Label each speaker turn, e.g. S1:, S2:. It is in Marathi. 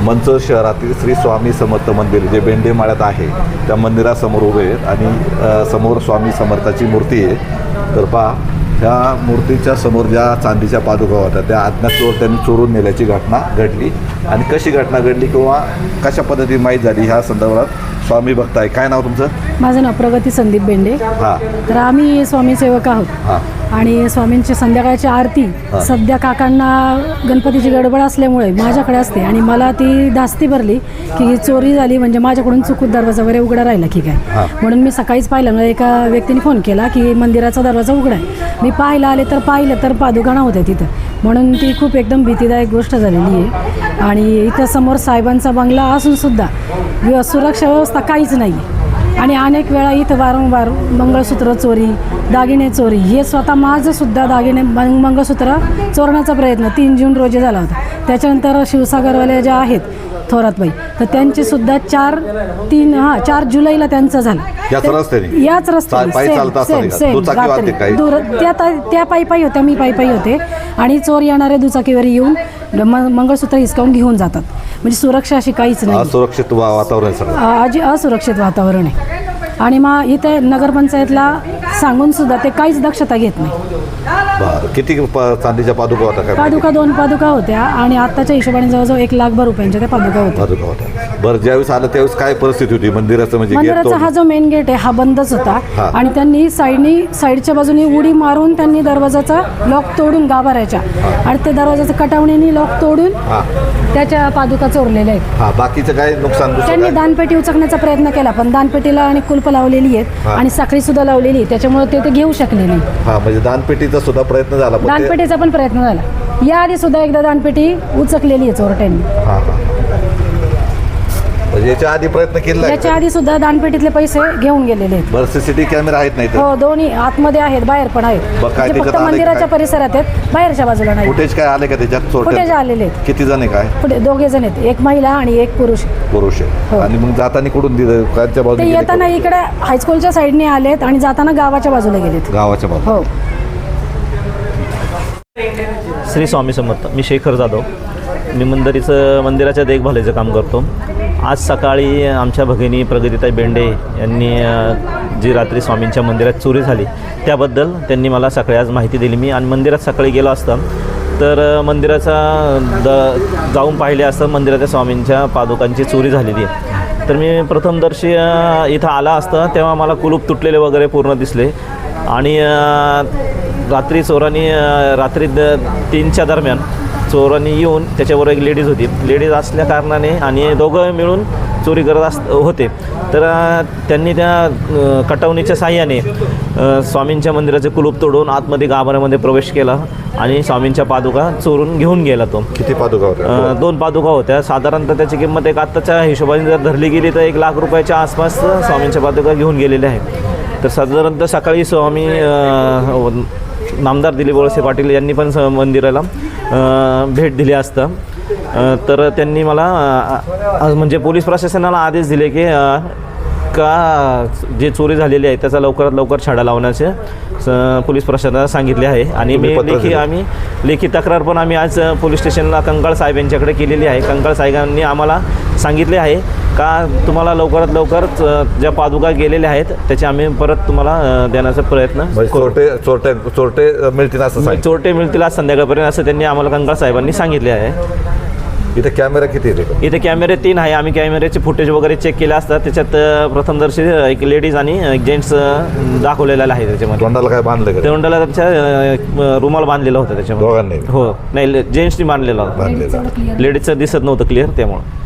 S1: मंचर शहरातील श्री स्वामी समर्थ मंदिर जे बेंडेमाळ्यात आहे त्या मंदिरासमोर उभे आहेत आणि समोर स्वामी समर्थाची मूर्ती आहे. तर पहा, ह्या मूर्तीच्या समोर ज्या चांदीच्या पादुका होत्या त्या अज्ञात चोरट्यांनी चोरून नेल्याची घटना घडली. आणि कशी घटना घडली किंवा कशा पद्धतीने माहीत झाली ह्या संदर्भात स्वामी भक्त आहे. काय नाव तुमचं?
S2: माझं नाव प्रगती संदीप बेंडे.
S1: हां.
S2: तर आम्ही स्वामी सेवक आहोत.
S1: हां.
S2: आणि स्वामींची संध्याकाळची आरती सध्या काकांना गणपतीची गडबड असल्यामुळे माझ्याकडे असते आणि मला ती धास्ती भरली की चोरी झाली म्हणजे माझ्याकडून चुकून दरवाजा वगैरे उघडा राहिला की काय. म्हणून मी सकाळीच पाहिलं, मला एका व्यक्तीने फोन केला की मंदिराचा दरवाजा उघडा आहे. मी पाहायला आले तर पाहिलं तर पादुका नव्हत्या तिथं. म्हणून ती खूप एकदम भीतीदायक गोष्ट झालेली आहे. आणि इथं समोर साहेबांचा बंगला असूनसुद्धा सुरक्षा व्यवस्था काहीच नाही. आणि अनेक वेळा इथं वारंवार मंगळसूत्र चोरी, दागिने चोरी, हे स्वतः माझंसुद्धा दागिने मंगळसूत्र चोरण्याचा प्रयत्न 3 जून रोजी झाला होता. त्याच्यानंतर शिवसागरवाल्या ज्या आहेत थोरातबाई, तर त्यांचीसुद्धा 4 जुलैला त्यांचं झालं याच रस्त्याने त्या पायी होत्या, मी पायी होते. आणि चोर येणारे दुचाकीवर येऊन मंगळसूत्र हिसकावून घेऊन जातात. म्हणजे सुरक्षा अशी काहीच नाही,
S1: असुरक्षित वातावरण
S2: असुरक्षित वातावरण आहे. आणि मग इथे नगरपंचायतला सांगून सुद्धा ते काहीच दक्षता घेत नाही.
S1: किती चांदीच्या पादुका होत्या?
S2: पादुका 2 पादुका होत्या आणि आत्ताच्या हिशोबाने जवळजवळ 1,00,000 रुपयांच्या त्या पादुका होत्या.
S1: बरं, ज्यावेळेस आलं त्यावेळेस काय परिस्थिती होती मंदिराचं? म्हणजे
S2: मंदिराचा हा जो मेन गेट आहे हा बंदच होता. आणि त्यांनी साईडच्या बाजूने उडी मारून त्यांनी दरवाजाचा लॉक तोडून गाभाऱ्याच्या आणि ते दरवाजाचं कटावणीने लॉक तोडून त्याच्या पादुका चोरलेल्या आहेत.
S1: बाकीचं काय नुकसान?
S2: त्यांनी दानपेटी उचकण्याचा प्रयत्न केला पण दानपेटीला आणि कुलप लावलेली आहेत आणि साखळी सुद्धा लावलेली आहे, त्याच्यामुळे ते घेऊ शकले नाही.
S1: म्हणजे दानपेटीचा सुद्धा प्रयत्न झाला?
S2: दानपेटीचा पण प्रयत्न झाला. याआधी सुद्धा एकदा दानपेटी उचकलेली आहे चोरट्यांनी.
S1: याच्या आधी प्रयत्न केला?
S2: याच्या आधी सुद्धा दानपेटीतले पैसे घेऊन गेलेले आहेत.
S1: बरं, सीसीटीव्ही कॅमेरा आहेत? नाही.
S2: हो, दोन्ही आतमध्ये आहेत, बाहेर पण आहेत. फक्त मंदिराच्या परिसरात आहेत, बाहेरच्या बाजूला नाही.
S1: फुटेज काय आले का त्याच्यात?
S2: फुटेज आलेले आहेत.
S1: किती जण आहे? काय?
S2: 2 जण आहेत, एक महिला आणि एक पुरुष आहे. आणि
S1: मग जाताना कुठून
S2: ते येताना इकडे हायस्कूलच्या साईडने आलेत आणि जाताना गावाच्या बाजूला गेलेत.
S1: गावाच्या बाजूला?
S2: हो.
S3: श्री स्वामी समर्थ. मी शेखर जाधव. मी मंदिराच्या देखभालीचं काम करतो. आज सकाळी आमच्या भगिनी प्रगतीताई बेंडे यांनी जी रात्री स्वामींच्या मंदिरात चोरी झाली त्याबद्दल त्यांनी मला सकाळी आज माहिती दिली. मी आणि मंदिरात सकाळी गेलो असता तर मंदिराचा जाऊन पाहिले असतं मंदिराच्या स्वामींच्या पादुकांची चोरी झालेली आहे. तर मी प्रथमदर्शी इथं आला असता तेव्हा मला कुलूप तुटलेले वगैरे पूर्ण दिसले. आणि रात्री चोरांनी रात्री 3च्या दरम्यान चोरांनी येऊन त्याच्यावर एक लेडीज होती. लेडीज असल्या कारणाने आणि दोघं मिळून चोरी करत होते. तर त्यांनी त्या कटवणीच्या साह्याने स्वामींच्या मंदिराचे कुलूप तोडून आतमध्ये गाभाऱ्यामध्ये प्रवेश केला आणि स्वामींच्या पादुका चोरून घेऊन गेला तो.
S1: किती पादुका होत्या?
S3: 2 पादुका होत्या. साधारणतः त्याची किंमत एक आत्ताच्या हिशोबाने जर धरली गेली तर 1,00,000 रुपयाच्या आसपास स्वामींच्या पादुका घेऊन गेलेल्या आहेत. तर साधारणतः सकाळी स्वामी नामदार दिलीप वळसे पाटील यांनी पण मंदिराला भेट दिली असता. तर त्यांनी मला म्हणजे पोलीस प्रशासनाला आदेश दिले की का जे चोरी झालेली आहे त्याचा लवकरात लवकर छडा लावण्याचे पोलीस प्रशासनाला सांगितले आहे. आणि आम्ही लेखी तक्रार पण आम्ही आज पोलीस स्टेशनला कंकाळ साहेब यांच्याकडे केलेली आहे. कंकाळ साहेबांनी आम्हाला सांगितले आहे का तुम्हाला लवकरात लवकर ज्या पादुका गेलेल्या आहेत त्याचे आम्ही परत तुम्हाला देण्याचा प्रयत्न
S1: चोरटे मिळतील असं
S3: चोरटे मिळतील आज संध्याकाळपर्यंत असं त्यांनी आम्हाला कंकाळ साहेबांनी सांगितले आहे.
S1: इथे कॅमेरा किती आहे?
S3: इथे कॅमेरे 3 आहे. आम्ही कॅमेऱ्याचे फुटेज वगैरे चेक केले असतात. त्याच्यात प्रथमदर्शी एक लेडीज आणि एक जेंट्स दाखवलेला आहे. त्याच्यामध्ये
S1: तोंडाला काय बांधलं?
S3: तोंडाला त्यांच्या रुमाल बांधलेला होता त्याच्यामध्ये.
S1: दोघांनी?
S3: हो, नाही जेंट्सनी बांधलेला होता. लेडीजचं दिसत नव्हतं क्लिअर त्यामुळे.